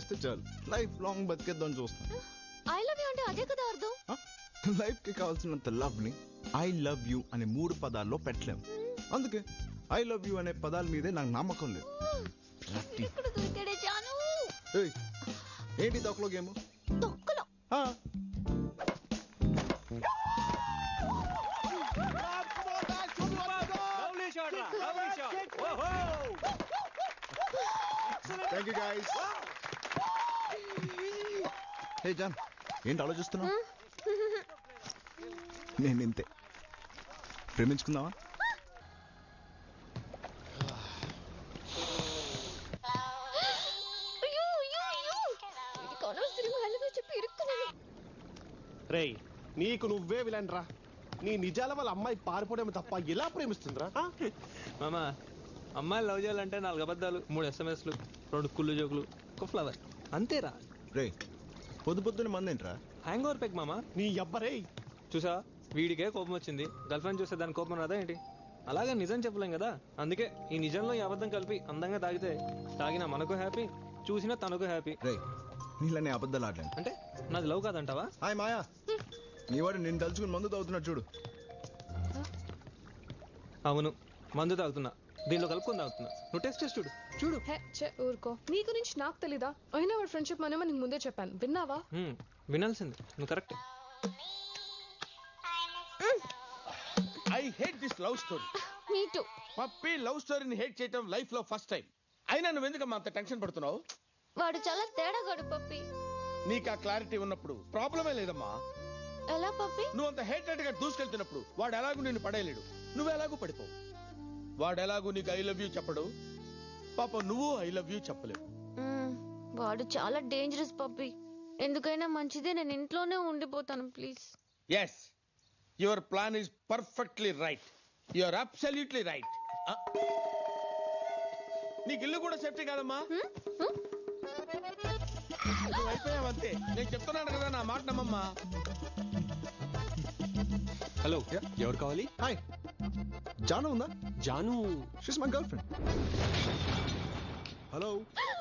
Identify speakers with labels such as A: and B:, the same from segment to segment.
A: చేస్తే చాలు, life long బతికేద్దాం చూస్తాను.
B: ఐ లవ్ యూ అంటే అదే కదా అర్థం.
A: లైఫ్ కి కావాల్సినంత లవ్ ని ఐ లవ్ యూ అనే 3 పదాల్లో పెట్టలేము. అందుకే ఐ లవ్ యూ అనే పదాల మీదే నాకు నమ్మకం లేదు. ఏంటి తొక్కలో గేమ్?
B: తొక్కలో
A: thank you guys. Hey John, ఏంటి ఆలోచిస్తున్నావు? నేను ఇంతే. ప్రేమించుకుందామా?
C: రేయ్, నీకు నువ్వే విలన్రా. నీ నిజాల వాళ్ళ అమ్మాయి పారిపోవడం తప్ప ఎలా ప్రేమిస్తుందిరా?
D: మామా, అమ్మాయిలు లవ్ చేయాలంటే 4 అబద్ధాలు, 3 SMSలు, 2 కుళ్ళు జోకులు, ఒక ఫ్లవర్, అంతేరా.
A: రే, పొద్దున్న మంది ఏంట్రా?
D: హ్యాంగ్ ఓవర్ పెక్ మామా.
C: నీ అబ్బరే
D: చూసా, వీడికే కోపం వచ్చింది, గర్ల్ ఫ్రెండ్ చూస్తే దాని కోపం రాదా ఏంటి? అలాగే నిజం చెప్పలేం కదా, అందుకే ఈ నిజంలో ఈ అబద్ధం కలిపి అందంగా తాగితే తాగినా మనకు హ్యాపీ, చూసినా తనకు హ్యాపీ.
A: రే, నీళ్ళని అబద్ధాలు ఆడలేను.
D: అంటే నాది లవ్ కాదంటావా?
A: హాయ్ మాయా, నీ వాడు నేను తలుచుకుని మందు తాగుతున్నాడు చూడు.
D: అవును, మందు తాగుతున్నా, దీనిలో కలుపుకొని తాగుతున్నా. నువ్వు టెస్ట్ చేసి చూడు. చూడు.
E: ఊరుకో, నీ గురించి నాకు తెలీదా? అయినా వాడు ఫ్రెండ్షిప్ మనమే నీకు ముందే చెప్పాను, విన్నావా?
D: వినాల్సింది, నువ్వు correct.
C: I hate this love story.
B: Me too.
C: Pappi love స్టోరీని హేట్ చేయడం లైఫ్ లో ఫస్ట్ టైం. అయినా నువ్వు ఎందుకమ్మా అంత టెన్షన్ పడుతున్నావు?
B: వాడు చాలా తేడాగాడు పప్పి.
C: నీకు ఆ క్లారిటీ ఉన్నప్పుడు ప్రాబ్లమే లేదమ్మా.
B: ఎలా పప్పి?
C: నువ్వు అంత హేటెడ్ గా దూసుకెళ్తున్నప్పుడు వాడు ఎలాగూ నిన్ను పడేయలేడు, నువ్వు ఎలాగూ పడిపోవు. వాడు ఎలాగూ నీకు ఐ లవ్ యూ చెప్పడు, పాప నువ్వు ఐ లవ్ యూ చెప్పలేవు.
B: వాడు చాలా డేంజరస్ పప్పి. ఎందుకైనా మంచిదే, నేను ఇంట్లోనే ఉండిపోతాను please.
C: Yes, your plan is perfectly right. Your absolutely right. నీకు ఇల్లు కూడా సేఫ్టీ కాదమ్మా. నువ్వు అయిపోయావంతే. నేను చెప్తున్నాను కదా, నా మాట నమ్మమ్మా.
D: హలో, ఎవరు కావాలి?
A: హాయ్, జాను ఉందా?
D: Janu,
A: she's my girlfriend. Hello.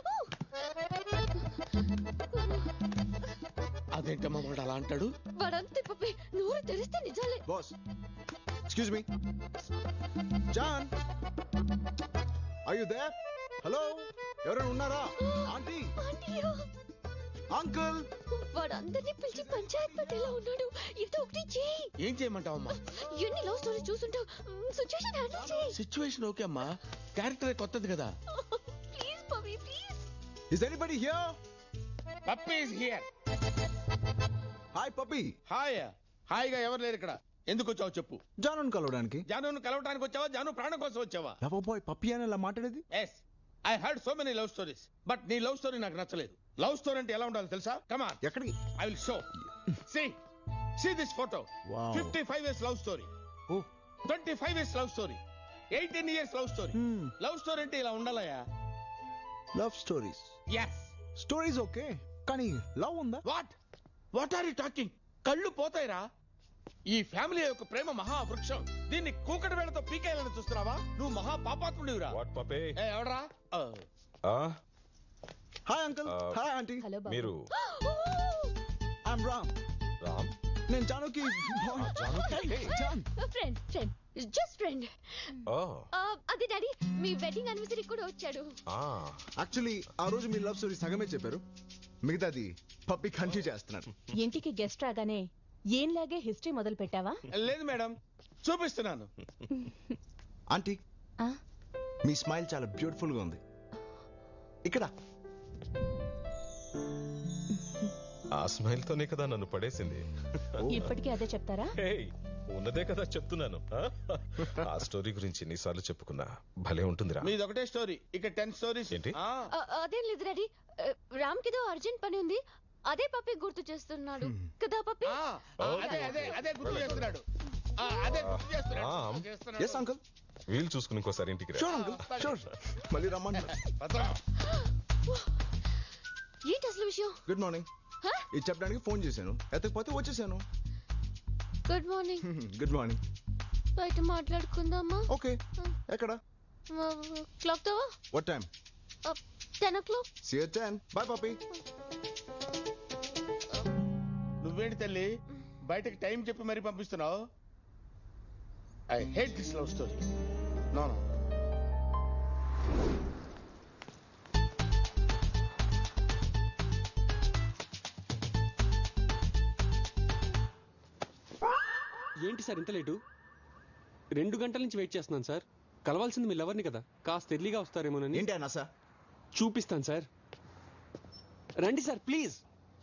C: అదేంటమ్మా వాడు అలా అంటాడు?
B: వాడంతే పప్పి, నోరు తెరిస్తే నిజాలే.
A: Boss, excuse me. John, are you there? Hello, ఎవరైనా ఉన్నారా? Aunty, uncle.
B: వాడు అందరినీ పిలిచి పంచాయత్ పెట్టేలా ఉన్నాడు. ఏదో ఒకటి చేయి.
C: ఏం చేయమంటావమ్మా?
B: ఎన్ని లవ్ స్టోరీ చూసుంటావు, సిచ్యువేషన్ హ్యాండిల్ చేయి.
C: సిచ్యువేషన్ ఓకే అమ్మా, క్యారెక్టర్ కొత్తది కదా.
B: Please Pappi, please.
A: Is anybody here?
C: Pappi is here.
A: Hi Pappi.
C: Hi. హాయిగా ఎవరు లేరు ఇక్కడ. ఎందుకు వచ్చావు చెప్పు.
A: జానుని కలవడానికి.
C: జానును కలవడానికి వచ్చావా? జాను ప్రాణం కోసం వచ్చావా?
A: లవ్ బాయ్ పప్పీ అని ఇలా మాట్లాడేది?
C: Yes, I heard so many love stories, but నీ లవ్ స్టోరీ నాకు నచ్చలేదు. లవ్ స్టోరీ అంటే ఎలా ఉండాలి తెలుసా? Come on.
A: ఎక్కడికి?
C: I will show. See this photo.
A: Wow.
C: 55 years love story.
A: Oh.
C: 25 years love story. 18 years love story. Love story అంటే ఇలా ఉండాలయా?
A: Love stories.
C: Yes.
A: Stories okay, కానీ లవ్ ఉందా?
C: What are you talking? కళ్ళు పోతాయిరా. ఈ family యొక్క ప్రేమ మహావృక్షం. దీన్ని కూకటి వేళతో పీకేయాలని చూస్తున్నావా? నువ్వు మహా పాపాత్ముడివిరా. ఎవడరా?
A: Hi uncle. Hi aunty.
F: మీరు?
A: ఐఎమ్ రామ్.
F: రామ్?
A: నేను జానుకి జాన్
B: ఫ్రెండ్, జస్ట్ ఫ్రెండ్. అదే డాడీ, మీ వెడ్డింగ్ యానివర్సరీ కూడా వచ్చాడు.
A: యాక్చువల్లీ ఆ రోజు మీ లవ్ స్టోరీ సగమే చెప్పారు, మిగతాది పప్పి కంటిన్యూ చేస్తున్నాడు.
G: ఇంటికి గెస్ట్ రాగానే ఏంలాగే హిస్టరీ మొదలు పెట్టావా?
C: లేదు మేడం, చూపిస్తున్నాను.
A: ఆంటీ, మీ స్మైల్ చాలా బ్యూటిఫుల్ గా ఉంది. ఇక్కడ
F: ఆ స్మైల్ తోనే కదా నన్ను పడేసింది.
G: ఇప్పటికీ అదే చెప్తారా?
F: ఉన్నదే కదా చెప్తున్నాను. ఆ స్టోరీ గురించి ఎన్నిసార్లు చెప్పుకున్నా భలే ఉంటుందిరా.
C: మీది ఒకటే స్టోరీ, ఇక్కడ 10 స్టోరీస్.
F: ఏంటి?
B: అదేం లేదు డాడీ, రామ్ కిదో అర్జెంట్ పని ఉంది, అదే పప్పి గుర్తు చేస్తున్నాడు కదా పప్పి.
C: అదే గుర్తు చేస్తున్నాడు.
A: Yes uncle.
F: వీలు చూసుకుని ఇంకోసారి ఇంటికి రా.
A: Sure uncle, sure. మళ్ళీ రమ్మంటారు.
B: ఏంటి అసలు విషయం?
A: Good morning. ఇది చెప్పడానికి ఫోన్ చేశాను, ఎత్తకపోతే వచ్చేసాను.
B: Good morning.
A: Good morning.
B: బయట మాట్లాడుకుందామా?
A: ఓకే. ఎక్కడ?
B: క్లాక్ తోవా?
A: What time?
B: 10 o'clock.
A: See you at 10. Bye, puppy.
C: నువ్వేంటి తల్లి బయటకు టైం చెప్పి మరీ పంపిస్తున్నావు? I hate this love story. No no.
H: ఏంటి సార్ ఇంత లేటు? 2 గంటల నుంచి వెయిట్ చేస్తున్నాను సార్. కలవాల్సింది మీ లవర్ని కదా, కాస్త ఎర్లీగా వస్తారేమోనని.
A: ఏంటి అన్నా సార్?
H: చూపిస్తాను సార్, రండి సార్ ప్లీజ్.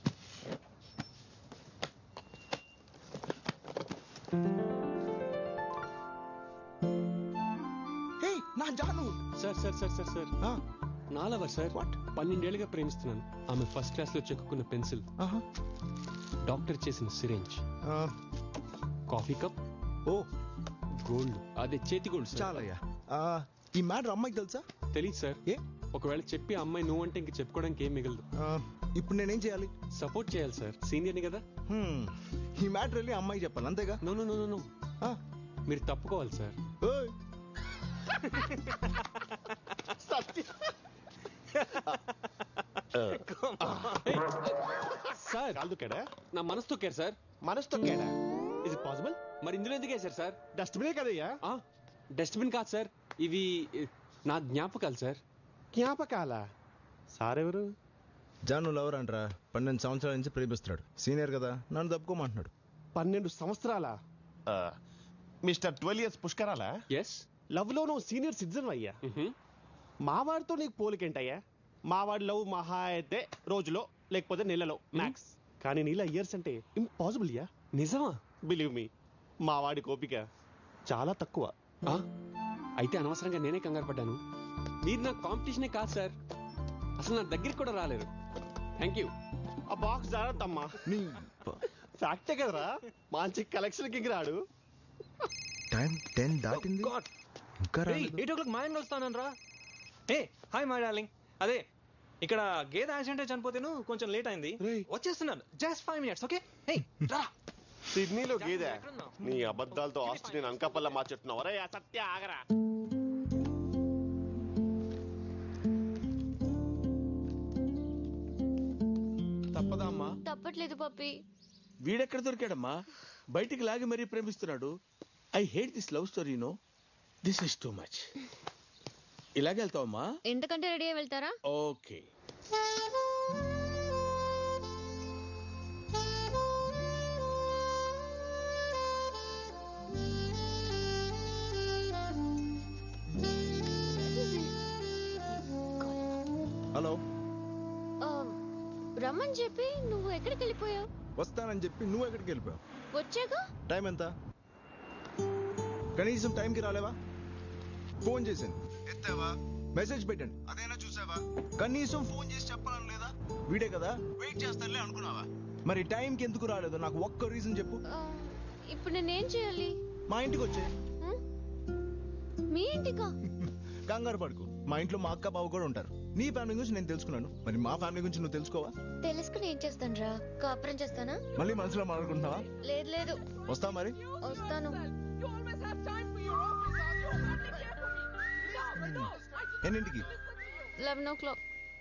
A: హే నా Janu.
H: Sir sir sir sir sir నా లవర్ సార్. 12 ఏళ్ళుగా ప్రేమిస్తున్నాను. ఆమె ఫస్ట్ క్లాస్ లో చెక్కున్న పెన్సిల్, డాక్టర్ చేసిన సిరేంజ్, కాఫీ కప్,
A: ఓ
H: గోల్డ్, అదే చేతి గోల్డ్ సార్.
A: చాలయ్యా. ఈ మ్యాటర్ అమ్మాయికి తెలుసా?
H: తెలీదు సార్.
A: ఏ
H: ఒకవేళ చెప్పి అమ్మాయి నువ్వు అంటే ఇంక చెప్పుకోవడానికి ఏం మిగలదు.
A: ఇప్పుడు నేనేం చేయాలి?
H: సపోర్ట్ చేయాలి సార్, సీనియర్ని కదా.
A: ఈ మ్యాటర్ వెళ్ళి అమ్మాయి చెప్పాలి అంతేగా?
H: నో నో నో నో, మీరు తప్పుకోవాలి సార్.
A: ఓయ్
H: సార్ నా మనసు తొక్కారు సార్.
I: మనసు తొక్కాడా? Is it possible?
H: మరి ఇందులో ఎందుకు వేశారు సార్?
I: డస్ట్బినే కదయ్యా.
H: డస్ట్బిన్ కాదు సార్, ఇవి నా జ్ఞాపకాలు సార్.
I: జ్ఞాపకాల? సార్ ఎవరు?
A: జాను లవర్ అంటరా, 12 సంవత్సరాల నుంచి ప్రేమిస్తున్నాడు. సీనియర్ కదా, నన్ను తప్పుకోమంటున్నాడు.
I: 12 సంవత్సరాల? మిస్టర్ 12 years పుష్కరాల?
H: ఎస్.
I: లవ్ లో నువ్వు సీనియర్ సిటిజన్ అయ్యా. మావాడితో నీకు పోలికేంటయ్యా? మావాడి లవ్ మహా అయితే రోజులో లేకపోతే నెలలో మ్యాక్స్, కానీ నీలా ఇయర్స్ అంటే ఇంపాసిబుల్ యా.
H: నిజమా?
I: బిలీవ్ మీ, మావాడి కోపిక చాలా తక్కువ.
H: అయితే అనవసరంగా నేనే కంగారు పడ్డాను. మీరు నా కాంపిటీషనే కాదు సార్, అసలు నా దగ్గరికి కూడా రాలేరు. Thank you.
I: ఆ బాక్స్ జాగ్రత్తమ్మా. ఫ్యాక్టే కదరా, మంచి కలెక్షన్ కి రాడు.
A: టైం 10 దాటింది, ఇంకా రాలేదు.
D: 8 o'clock మా ఆయన వస్తానని రా. ఏ హాయ్ మై డార్లింగ్. అదే ఇక్కడ గేదె యాక్సిడెంట్ చనిపోతేను కొంచెం లేట్ అయింది, వచ్చేస్తున్నాను. Just 5 minutes. ఓకే రా.
I: సిడ్నీలో గేదె? నీ అబద్ధాలతో ఆస్తి నేను అంకపల్ల మార్చెట్టున్నావు. అరే సత్య ఆగరా.
C: తప్పదా అమ్మా?
B: తప్పట్లేదు పప్పి.
C: వీడెక్కడ దొరికాడమ్మా? బయటికి లాగి మరీ ప్రేమిస్తున్నాడు. I hate this love story. No, this is too much. ఇలాగే వెళ్తావమ్మా?
B: ఎంతకంటే రెడీ అయి వెళ్తారా?
C: ఓకే.
A: హలో.
B: రమ్మని చెప్పి నువ్వు ఎక్కడికి వెళ్ళిపోయావు?
A: వస్తానని చెప్పి నువ్వు ఎక్కడికి వెళ్ళిపోయావు?
B: వచ్చాక
A: టైం ఎంత? కనీసం టైంకి రాలేవా? ఫోన్ చేశాను, ఎత్తావా? మెసేజ్ పెట్టండి, అదేనా చూసావా? కనీసం ఫోన్ చేసి చెప్పాలని లేదా? వీడే కదా, వెయిట్ చేస్తానులే అనుకున్నావా? మరి టైంకి ఎందుకు రాలేదు నాకు ఒక్క రీజన్ చెప్పు.
B: ఇప్పుడు నేనేం చేయాలి?
A: మా ఇంటికి వచ్చే.
B: మీ ఇంటికా?
A: కంగారు పడుకు, మా ఇంట్లో మా అక్క బావ కూడా ఉంటారు. నీ ఫ్యామిలీ గురించి నేను తెలుసుకున్నాను, మరి మా ఫ్యామిలీ గురించి నువ్వు తెలుసుకోవా?
B: తెలుసుకుని ఏం చేస్తాను రా? కాపురం చేస్తానా?
A: మళ్ళీ మనసులో మాట్లాడుకుంటున్నావా?
B: లేదు లేదు.
A: వస్తా మరి.
B: వస్తాను.
A: ఎన్నింటికి?
B: 11 o'clock.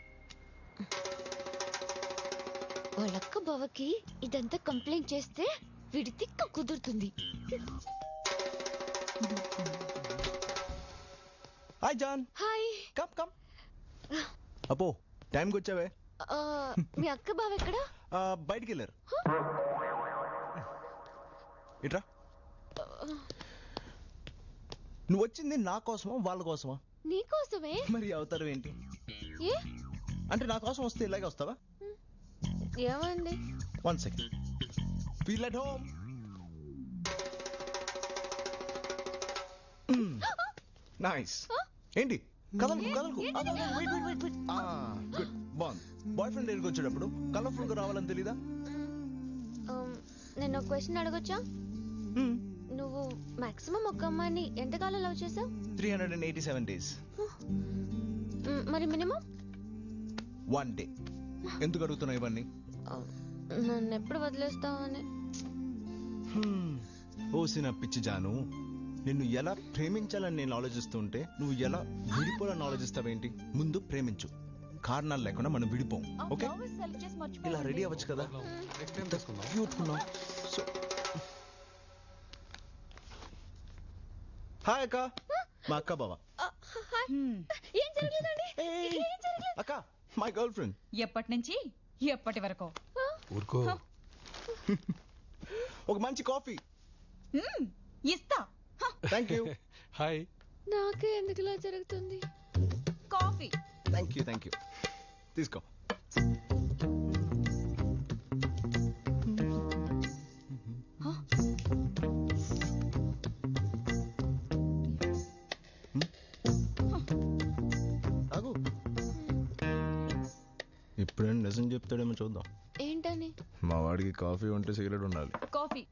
B: వాళ్ళక్క బావకి ఇదంతా కంప్లైంట్ చేస్తే వీడి తిక్క కుదురుతుంది.
A: Hi John.
B: Hi.
A: Come come. అపో టైంకి వచ్చావే.
B: మీ అక్క బావ ఎక్కడా?
A: బయటికి వెళ్ళారు. ఇట్రా. నువ్వు వచ్చింది నా కోసమా వాళ్ళ కోసమా?
B: నీకోసమే.
A: మరి అవతారం ఏంటి?
B: ఏ
A: అంటే నా కోసం వస్తే ఇలాగే వస్తావా?
B: ఏమైంది?
A: 1 second. Feel at home. Nice. ఏంటి కదలకు కదలకు? గుడ్. బాగుంది. బాయ్ ఫ్రెండ్ దగ్గరికి వచ్చేటప్పుడు కలర్ఫుల్ గా రావాలని తెలీదా?
B: నేను ఒక క్వశ్చన్ అడగొచ్చా? నువ్వు మాక్సిమం ఒక అమ్మాయిని ఎంతకాలం లవ్ చేసావు?
A: 387 days.
B: మరి మినిమం?
A: 1 day. ఎందుకు అడుగుతున్నావు ఇవన్నీ?
B: నన్ను ఎప్పుడు వదిలేస్తావని.
A: ఓసిన పిచ్చి జాను, నిన్ను ఎలా ప్రేమించాలని నేను ఆలోచిస్తుంటే నువ్వు ఎలా విడిపోవాలని ఆలోచిస్తావేంటి? ముందు ప్రేమించు, కారణాలు లేకుండా మనం విడిపోం ఓకే ఇలా రెడీ అవ్వచ్చు కదా క్యూట్ ఉన్నాం సో హాయ్ అక్క మా అక్క బావ
B: ఏం జరగలేదండి ఏం జరగలేదు.
A: అక్క మై గర్ల్ ఫ్రెండ్
J: ఎప్పటి నుంచి ఎప్పటి వరకు
F: ఊరుకో
A: ఒక మంచి కాఫీ
J: ఇస్తా
A: థ్యాంక్ యూ
H: హాయ్
B: నాకే ఎందుకు ఇలా జరుగుతుంది?
J: కాఫీ
A: థ్యాంక్ యూ తీసుకో తాగు ఇప్పుడేం నిజం చెప్తాడేమో చూద్దాం.
B: ఏంటని?
A: మా వాడికి కాఫీ ఉంటే సిగరెట్ ఉండాలి.
J: కాఫీ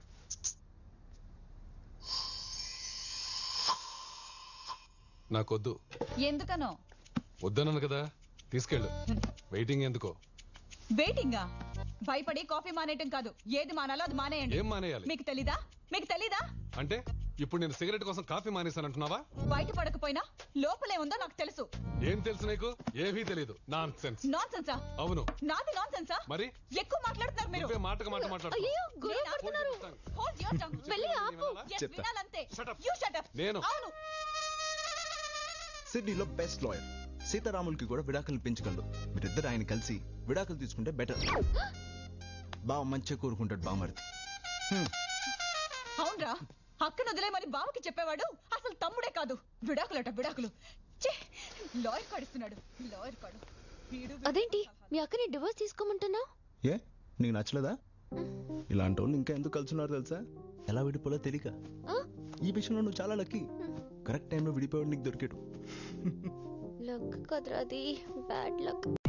F: నాకొద్దు.
J: ఎందుకనో?
F: వద్దన్నాను కదా, తీసుకెళ్ళు. వెయిటింగ్ ఎందుకో?
J: వెయిటింగా? భయపడి కాఫీ మానేయటం కాదు, ఏది మానాలో అది మానేయండి.
F: ఏం మానేయాలి?
J: మీకు తెలీదా? మీకు తెలీదా?
F: అంటే ఇప్పుడు నేను సిగరెట్ కోసం కాఫీ మానేశానంటున్నావా?
J: బయట పడకపోయినా లోపలే ఉందో నాకు తెలుసు.
F: ఏం తెలుసు నీకు? ఏమీ తెలీదు. Nonsense.
J: నాన్ సెన్సా?
F: అవును.
J: నాది నాన్ సెన్సా?
F: మరి
J: ఎక్కువ మాట్లాడుతున్నారు మీరు.
F: నువ్వే మాటకు మాట మాట్లాడుతున్నావు.
B: అయ్యో గొడవ పడుతున్నారు.
J: Hold your tongue.
B: వెళ్ళి ఆపు.
J: Yes,
A: చెప్తా.
J: వినాలంతే.
F: Shut up.
J: You shut up.
F: నేను.
J: అవును.
A: సిడ్నీలో బెస్ట్ లాయర్ సీతారాములకి కూడా విడాకులు పెంచగలడు. మీరిద్దరు ఆయన కలిసి విడాకులు తీసుకుంటే బెటర్. బావ మంచిగా కోరుకుంటాడు బామర్ది.
J: అవునరా, అక్కను వదిలేమని బావకి చెప్పేవాడు అసలు తమ్ముడే కాదు. విడాకులట విడాకులు. లాయర్ కాడిస్తున్నాడు, లాయర్ కాడు.
B: అదేంటి మీ అక్కని డివోర్స్ తీసుకోమంటున్నావు?
A: ఏ నీకు నచ్చలేదా? ఇలాంటి వాళ్ళు ఇంకా ఎందుకు కలుసున్నారు తెలుసా? ఎలా విడిపోలో తెలియక. ఈ విషయంలో నువ్వు చాలా లక్కీ. కరెక్ట్ టైంలో విడిపోయాడు నీకు దొరికాడు.
B: లక్ కదరా అది, బ్యాడ్ లక్.